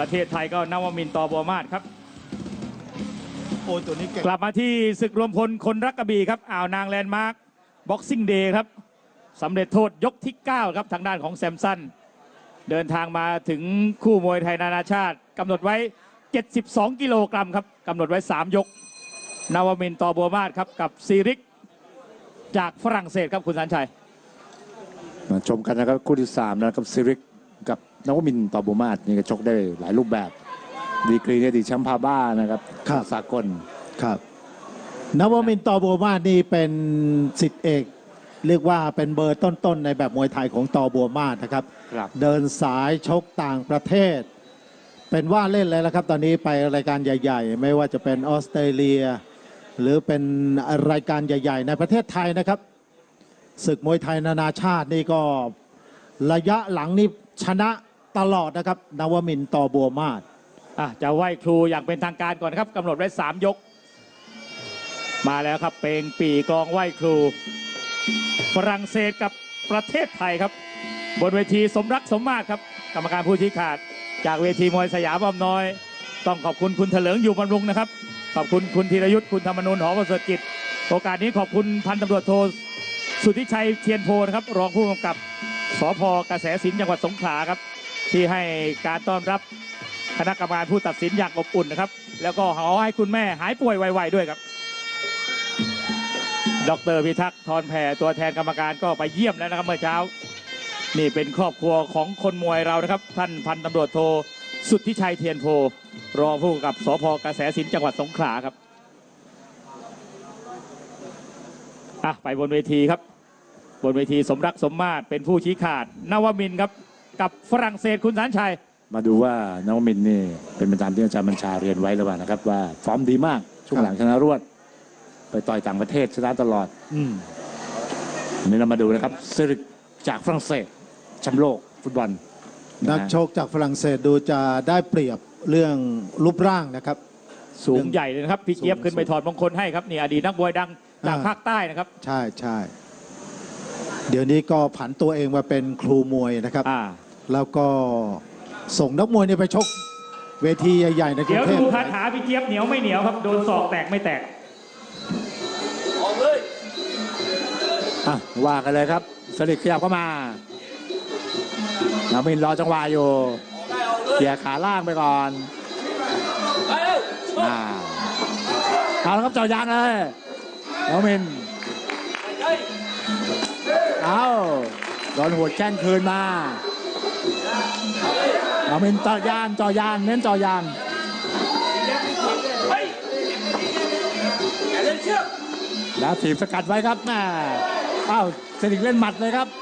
ประเทศไทยก็นวมินทร์ ตอบัวมาศครับโอ้ตัวนี้เก่งกลับมาที่ศึกรวมพลคนรักกระบี่ครับอ่าวนางแลนด์มาร์คบ็อกซิ่งเดย์ครับสำเร็จโทษยกที่9ครับทางด้านของแซมสันเดินทางมาถึงคู่มวยไทยนานาชาติกำหนดไว้72กิโลกรัมครับกำหนดไว้3ยกนวมินทร์ ตอบัวมาศครับกับซีริกจากฝรั่งเศสครับคุณสันชัยมาชมกันนะครับคู่ที่3นะครับซีริกกับนวมินทร์ ตอบัวมาศนี่ก็ชกได้หลายรูปแบบดีกรีเนี่ยดีแชมป์พาบ้านะครับสากลครับนวมินทร์ ตอบัวมาศนี่เป็นศิษย์เอกเรียกว่าเป็นเบอร์ต้นๆในแบบมวยไทยของตอบัวมาศนะครับเดินสายชกต่างประเทศเป็นว่าเล่นเลยแล้วครับตอนนี้ไปรายการใหญ่ๆไม่ว่าจะเป็นออสเตรเลียหรือเป็นรายการใหญ่ๆในประเทศไทยนะครับศึกมวยไทยนานาชาตินี่ก็ระยะหลังนี่ชนะตลอดนะครับนวมินทร์ ตอบัวมาศจะไหว้ครูอย่างเป็นทางการก่อนครับกำหนดไว้3ยกมาแล้วครับเพลงปีกลองไหว้ครูฝรั่งเศสกับประเทศไทยครับบนเวทีสมรักสมมาตรครับกรรมการผู้ชี้ขาดจากเวทีมวยสยามอ้อมน้อยต้องขอบคุณคุณเถลิงอยู่บำรุงนะครับขอบคุณคุณธีรยุทธ์คุณธรรมนูญหอประเสริฐกิจโอกาสนี้ขอบคุณพันตำรวจโทสุทธิชัยเทียนโพนะครับรองผู้กำกับสภ.กระแสสินจังหวัดสงขลาครับที่ให้การต้อนรับคณะกรรมการผู้ตัดสินอย่างอบอุ่นนะครับแล้วก็ขอให้คุณแม่หายป่วยไวๆด้วยครับดร.พิทักษ์ทรแผ่ตัวแทนกรรมการก็ไปเยี่ยมแล้วนะครับเมื่อเช้านี่เป็นครอบครัวของคนมวยเรานะครับท่านพันตำรวจโทสุทธิชัยเทียนโพรองผู้กำกับสภ.กระแสสินจังหวัดสงขลาครับไปบนเวทีครับบนเวทีสมรักสมมาตรเป็นผู้ชี้ขาดนวมินทร์ครับกับฝรั่งเศสคุณสันชัยมาดูว่านวมินทร์นี่เป็นไปตามที่อาจารย์บัญชาเรียนไว้หรือเปล่านะครับว่าฟอร์มดีมากช่วงหลังชนะรวดไปต่อยต่างประเทศชนะตลอดนี่เรามาดูนะครับซีริกจากฝรั่งเศสแชมป์โลกฟุตบอลนักชกจากฝรั่งเศสดูจะได้เปรียบเรื่องรูปร่างนะครับสูงใหญ่เลยนะครับพี่เจี๊ยบขึ้นไปถอดมงคลให้ครับนี่อดีตนักมวยดังจากภาคใต้นะครับใช่ใช่เดี๋ยวนี้ก็ผันตัวเองมาเป็นครูมวยนะครับแล้วก็ส่งนักมวยเนี่ยไปชกเวทีใหญ่ๆในกรุงเทพเดี๋ยวดูคาถาพี่เจี๊ยบเหนียวไม่เหนียวครับโดนศอกแตกไม่แตกออกเลยว่ากันเลยครับสลิดขยับเข้ามานวมินทร์รอจังหวะอยู่เขี่ยขาล่างไปก่อนเอาแล้วครับเจาะยางเลยนวมินทร์เอาโดนหัวแข้งคืนมานวมินทร์เจาะยางเน้นเจาะยางแล้วถีบสกัดไว้ครับแม่เซนิกเล่นหมัดเลยครับ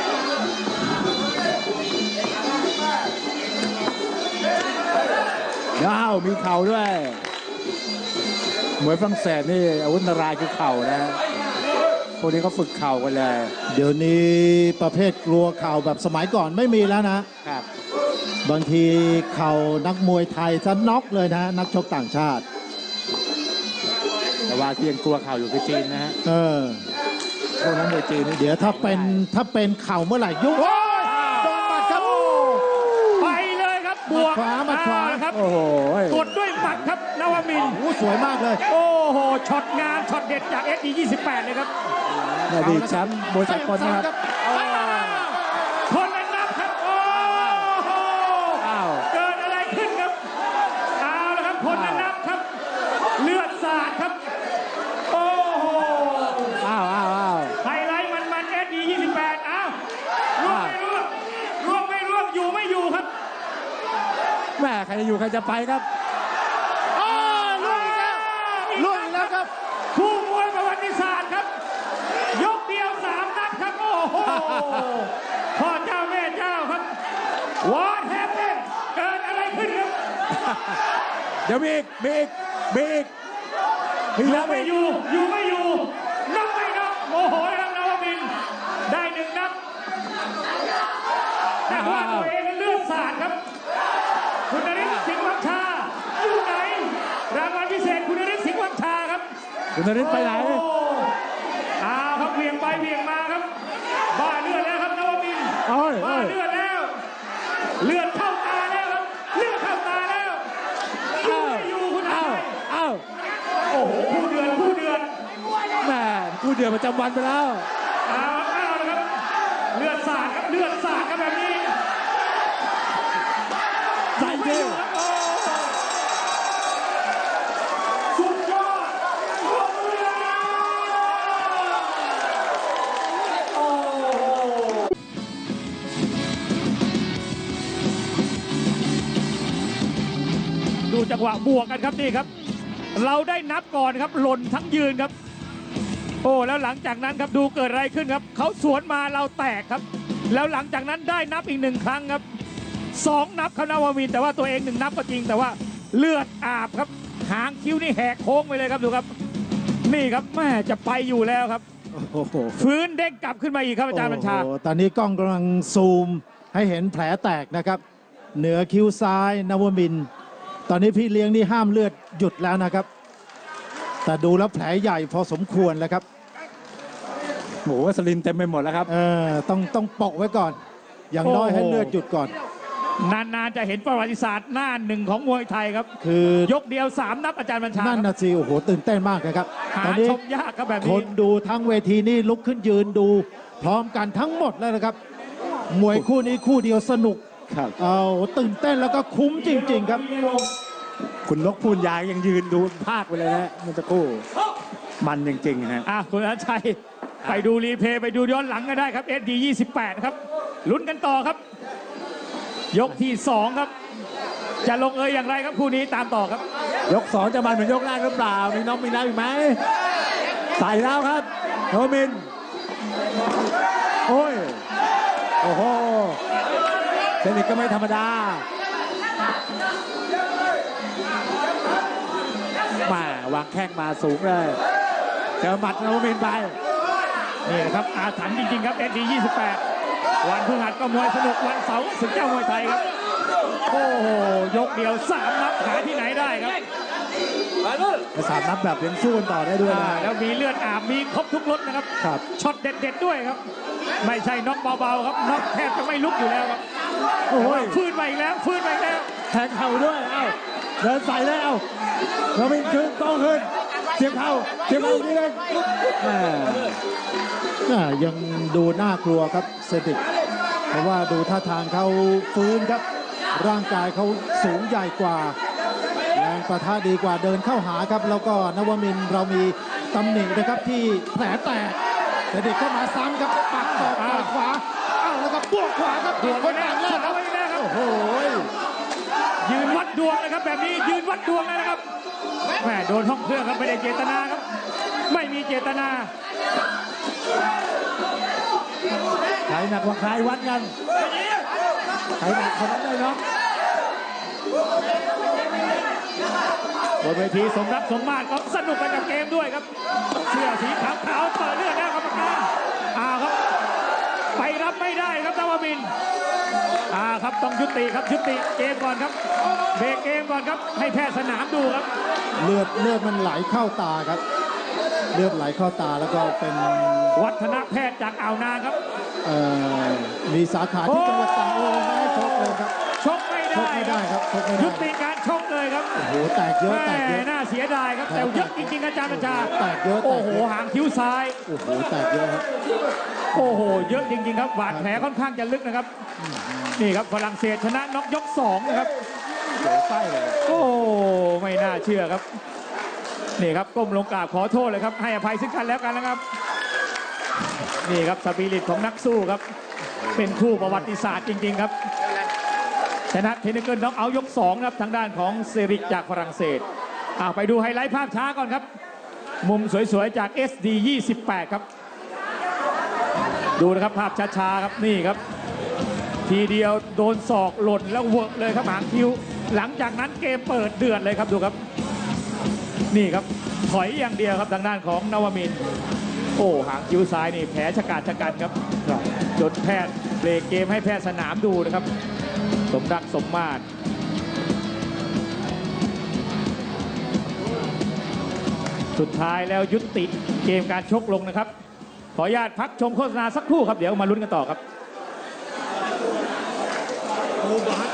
มีเข่าด้วยมวยฝรั่งเศสนี่อาวุธนารายคือเข่านะพวกนี้เขาฝึกเข่ากันเลยเดี๋ยวนี้ประเภทกลัวเข่าแบบสมัยก่อนไม่มีแล้วนะครับบางทีเข่านักมวยไทยจะน็อกเลยนะนักชกต่างชาติแต่ว่าที่ยังกลัวเข่าอยู่คือจีนนะฮะพวกนั้นมวยจีนเดี๋ยวถ้าเป็นเข่าเมื่อไหร่ยุ่งโดนหมัดครับไปเลยครับบวกมาขวาครับโอ้โหกดด้วยหมัดครับนวมินทร์สวยมากเลยโอ้โหช็อตงานช็อตเด็ดจาก SD28เลยครับดีแชมป์มวยสากลนะครับคนละนับครับโอ้โหเกิดอะไรขึ้นครับเอาละครับคนละนับครับเลือดสาดครับโอ้โหไฮไลท์มัน SD28ร่วงไม่ร่วงอยู่ไม่อยู่ครับแม่ใครจะอยู่ใครจะไปครับล่วงอีกแล้วครับคู่มวยประวัติศาสตร์ครับยกเดียว3นัดครับโอ้โหพ่อเจ้าแม่เจ้าครับWhat happened เกิดอะไรขึ้นครับเดี๋ยวมีอีกอยู่ไม่อยู่นับไม่นับโมโหแล้วนวมินทร์ได้1นับแต่ว่าตัวเองเลือดสาดครับคุณนฤทธิ์สิงห์วังชาอยู่ไหนรางวัลพิเศษคุณนฤทธิ์สิงห์วังชาครับคุณนฤทธิ์ไปไหนครับเวียงไปเวียงมาครับบ้าเลือดแล้วครับนวมินทร์บ้าเลือดแล้วเลือดเข้าตาแล้วครับเลือดเข้าตาดประจำวันไปแล้วเอาละครับเลือดสาดครับเลือดสาดครับแบบนี้ใส่ดิสุดยอดดูจังหวะบวกกันครับนี่ครับ เราได้นับก่อนครับหล่นทั้งยืนครับ โอ้แล้วหลังจากนั้นครับดูเกิดอะไรขึ้นครับเขาสวนมาเราแตกครับ แล้วหลังจากนั้นได้นับอีก1 ครั้งครับ2 นับครับนวมินทร์แต่ว่าตัวเอง1 นับก็จริงแต่ว่าเลือดอาบครับหางคิ้วนี่แหกโค้งไปเลยครับดูครับ นี่ครับแม่จะไปอยู่แล้วครับโอ้โหฟื้นเด้งกลับขึ้นมาอีกครับอาจารย์บัญชาโอ้โหตอนนี้กล้องกำลังซูมให้เห็นแผลแตกนะครับ เหนือคิ้วซ้ายนวมินทร์ตอนนี้พี่เลี้ยงนี่ห้ามเลือดหยุดแล้วนะครับ แต่ดูแล้วแผลใหญ่พอสมควรแล้วครับโอ้โหวัสลินเต็มไปหมดแล้วครับต้องโปะไว้ก่อน อย่างน้อยโอ้โหให้เลือดหยุดก่อนนานๆจะเห็นประวัติศาสตร์หน้าหนึ่งของมวยไทยครับคือยกเดียว3 นับอาจารย์บัญชานั่นนะสิโอ้โหตื่นเต้นมากนะครับหาตอนนี้ชมยากครับแบบคนี้นดูทั้งเวทีนี่ลุกขึ้นยืนดู พร้อมกันทั้งหมดแล้วนะครับ มวยคู่นี้คู่เดียวสนุกครับเอาตื่นเต้นแล้วก็คุ้มจริง ๆ ครับคุณนกพูนยางยังยืนดูภาคไปเลยนะมันจะคู่มันจริงๆฮะคุณอนันต์ชัยไปดูรีเพลย์ไปดูย้อนหลังก็ได้ครับ SD 28ครับลุ้นกันต่อครับ ยกที่ 2 ครับ จะลงเอยอย่างไรครับคู่นี้ตามต่อครับยก 2 จะมันเหมือนยกแรกหรือเปล่า มีน้องมีน้ำอีกไหมใส่แล้วครับโนมิน โอ้ย โอ้โหเทคนิคก็ไม่ธรรมดา มาวางแข้งมาสูงเลยเจอหมัดโนมินไปนี่นะครับอาถรรพ์จริงๆครับ SD 28วันพฤหัสก็มวยสนุกวันเสาร์ศึกเจ้ามวยไทยครับโอ้โหยกเดียว3 นับหาที่ไหนได้ครับสามนับแบบยังสู้กันต่อได้ด้วยนะแล้วมีเลือดอาบมีครบทุกรสนะครับครับช็อตเด็ดๆด้วยครับ ไม่ใช่น็อกเบาๆครับน็อกแทบจะไม่ลุกอยู่แล้วครับโอ้ยฟื้นมาอีกแล้วฟื้นมาอีกแล้วแทงเข่าด้วย เอ้า เดินใส่แล้วโนมินขึ้นโต้ขึ้นเสียบเข่าอีกนิดนึงแหม่ยังดูน่ากลัวครับเซติกเพราะว่าดูท่าทางเขาฟื้นครับ ร่างกายเขาสูงใหญ่กว่าแรงประทะดีกว่าเดินเข้าหาครับ แล้วก็นวมินทร์เรามีตำหนินะครับที่แผลแตกเซติกเข้ามาซ้ำครับปักศอกต่อยขวาเอ้าแล้วก็บวกขวาครับบวกคนแล้ต่าว งแรกครับบวกแล้วครับโอ้โหยืนวัดดวงนะครับแบบนี้ยืนวัดดวงเลยนะครับแหมโดนห้องเครื่องครับไม่ได้เจตนาครับ ไม่มีเจตนาใครหนักกว่าใครวัดกันใครหนักคนนั้นได้เนาะบนเวทีสมรักสมมาตรก็สนุกไปกับเกมด้วยครับ เสื้อสีขาวๆเปิดเลือดแล้วกรรมการครับ ไปรับไม่ได้ครับนวมินทร์ครับต้องยุติครับยุติเกมก่อนครับเบรกเกมก่อนครับให้แพทย์สนามดูครับเลือดมันไหลเข้าตาครับ เลือดไหลเข้าตาแล้วก็เป็นวัฒนแพทย์จากอ่าวนางครับมีสาขาที่จังหวัดตากโอ้ไม่ให้ชกเลยครับชกไม่ชกไม่ได้ครับชกไม่ได้ยุติการชกเลยครับโอ้โหแตกเยอะแตกเยอะน่าเสียดายครับแต่เยอะจริงๆอาจารย์บัญชาแตกเยอะแตโอ้กโหเยอะหางคิ้วซ้ายโอ้โหแตกเยอะครับโอ้โหเยอะจริงๆครับบาดแผลค่อนข้างจะลึกนะครับนี่ครับฝรั่งเศสชนะน็อกยก2นะครับโอ้ไม่น่าเชื่อครับนี่ครับก้มลงกราบขอโทษเลยครับให้อภัยซึ่งกันแล้วกันนะครับนี่ครับสปิริตของนักสู้ครับเป็นคู่ประวัติศาสตร์จริงๆครับชนะเทนนิสเกิลน็อกเอาท์ยก2ครับทางด้านของเซริกจากฝรั่งเศสไปดูไฮไลท์ภาพช้าก่อนครับมุมสวยๆจาก SD 28ครับดูนะครับภาพช้าๆครับนี่ครับทีเดียวโดนศอกหล่นแล้วเวิร์กเลยครับหางคิ้วหลังจากนั้นเกมเปิดเดือดเลยครับดูครับนี่ครับถอยอย่างเดียวครับทางด้านของนวมินทร์โอ้หางคิ้วซ้ายนี่แผลชะกาจชะกันครับจนแพทย์เบรกเกมให้แพทย์สนามดูนะครับสมรักสมมาตรสุดท้ายแล้วยุติเกมการชกลงนะครับขออนุญาตพักชมโฆษณาสักครู่ครับเดี๋ยวมาลุ้นกันต่อครับ